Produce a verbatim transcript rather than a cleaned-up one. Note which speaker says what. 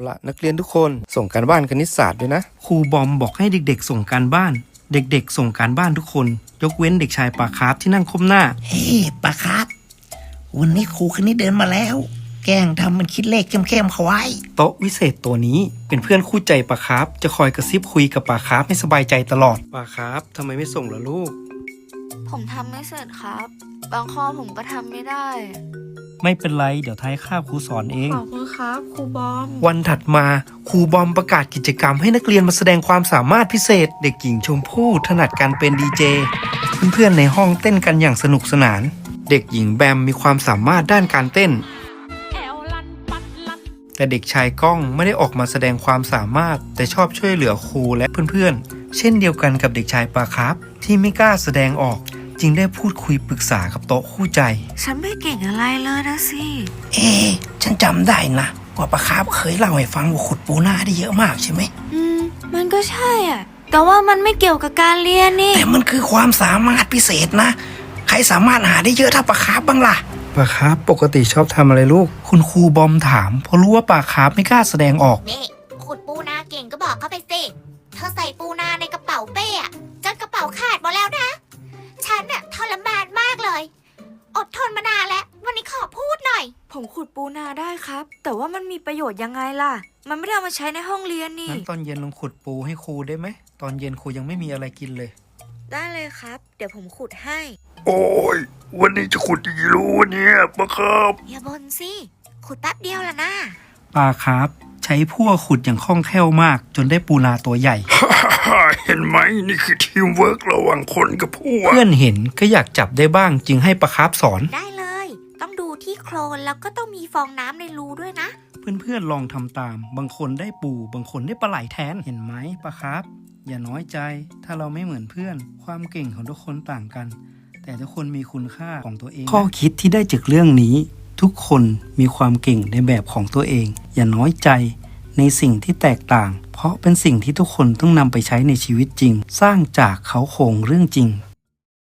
Speaker 1: ละนักเรียนทุกคนส่งการบ้านคณิตศาสตร์ด้วยนะครูบอมบอกให้เด็กๆส่งการบ้านเด็กๆส่งการบ้านทุกคนยกเว้นเด็กชายปาคาร์ฟที่นั่งก้มหน้า
Speaker 2: เฮ้ปาคาร์ฟวันนี้ครูคณิตเดินมาแล้วแกล้งทำมันคิดเลขเข้มๆเขาไว้
Speaker 1: โต๊ะวิเศษตัวนี้เป็นเพื่อนคู่ใจปาคาร์ฟจะคอยกระซิบคุยกับปาคาร์ฟให้สบายใจตลอดปาคาร์ฟทำไมไม่ส่งล่ะลูก
Speaker 3: ผมทำไม่เสร็จครับบางข้อผมก็ทำไม่ได้
Speaker 1: ไม่เป็นไรเดี๋ยวท้ายคาบครูสอนเอง
Speaker 3: ขอบคุณครับครูบอม
Speaker 1: วันถัดมาครูบอมประกาศกิจกรรมให้นักเรียนมาแสดงความสามารถพิเศษเด็กหญิงชมพู่ถนัดการเป็นดีเจเพื่อนๆในห้องเต้นกันอย่างสนุกสนานเด็กหญิงแบมมีความสามารถด้านการเต้นแต่เด็กชายก้องไม่ได้ออกมาแสดงความสามารถแต่ชอบช่วยเหลือครูและเพื่อนๆเช่นเดียวกันกับเด็กชายปาคาร์ฟที่ไม่กล้าแสดงออกจึงได้พูดคุยปรึกษากับโต๊ะคู่ใจ
Speaker 3: ฉันไม่เก่งอะไรเลยนะสิ
Speaker 2: เอ๊ฉันจำได้นะว่าปาคาร์ฟเคยเล่าให้ฟังว่าขุดปูนาได้เยอะมากใช่ไหม
Speaker 3: อืมมันก็ใช่อ่ะแต่ว่ามันไม่เกี่ยวกับการเรียนนี่
Speaker 2: แต่มันคือความสามารถพิเศษนะใครสามารถหาได้เยอะเท่าปาคาร์ฟบ้างล่ะ
Speaker 1: ปาคาร์ฟปกติชอบทำอะไรลูกคุณครูบอมถามเพราะรู้ว่าปาคาร์ฟไม่กล้าแสดงออก
Speaker 4: นี่ขุดปูนาเก่งก็บอกเขาไปสิเธอใส่ปูนาในกระเป๋าเป้อะจนกระเป๋าขาดหมดแล้วนะฉันอะทรมานมากเลยอดทนมานานแล้ววันนี้ขอพูดหน่อย
Speaker 3: ผมขุดปูนาได้ครับแต่ว่ามันมีประโยชน์ยังไงล่ะมันไม่ได้เอามาใช้ในห้องเรียนนี่
Speaker 1: งั้นตอนเย็นลองขุดปูให้ครูได้ไหมตอนเย็นครูยังไม่มีอะไรกินเลย
Speaker 3: ได้เลยครับเดี๋ยวผมขุดให้
Speaker 5: โอ้ยวันนี้จะขุดกี่รูเนี่ยปะครับ
Speaker 4: อย่าบ่นสิขุดแป๊บเดียวละนะ
Speaker 1: ปาคาร์ฟใช้พั่วขุดอย่างคล่องแคล่วมากจนได้ปูนาตัวใหญ่
Speaker 5: เห็นไหมนี่คือทีมเวิร์กระหว่างคนกับพั่ว
Speaker 1: เพื่อนเห็นก็อยากจับได้บ้างจึงให้ปาคาร์ฟสอน
Speaker 4: ได้เลยต้องดูที่โคลนแล้วก็ต้องมีฟองน้ำในรูด้วยนะ
Speaker 1: เพื่อนๆลองทำตามบางคนได้ปูบางคนได้ปลาไหลแทนเห็นไหมปาคาร์ฟอย่าน้อยใจถ้าเราไม่เหมือนเพื่อนความเก่งของทุกคนต่างกันแต่ทุกคนมีคุณค่าของตัวเองข้อคิดที่ได้จากเรื่องนี้ทุกคนมีความเก่งในแบบของตัวเองอย่าน้อยใจในสิ่งที่แตกต่างเพราะเป็นสิ่งที่ทุกคนต้องนำไปใช้ในชีวิตจริงสร้างจากเขาโครงเรื่องจริง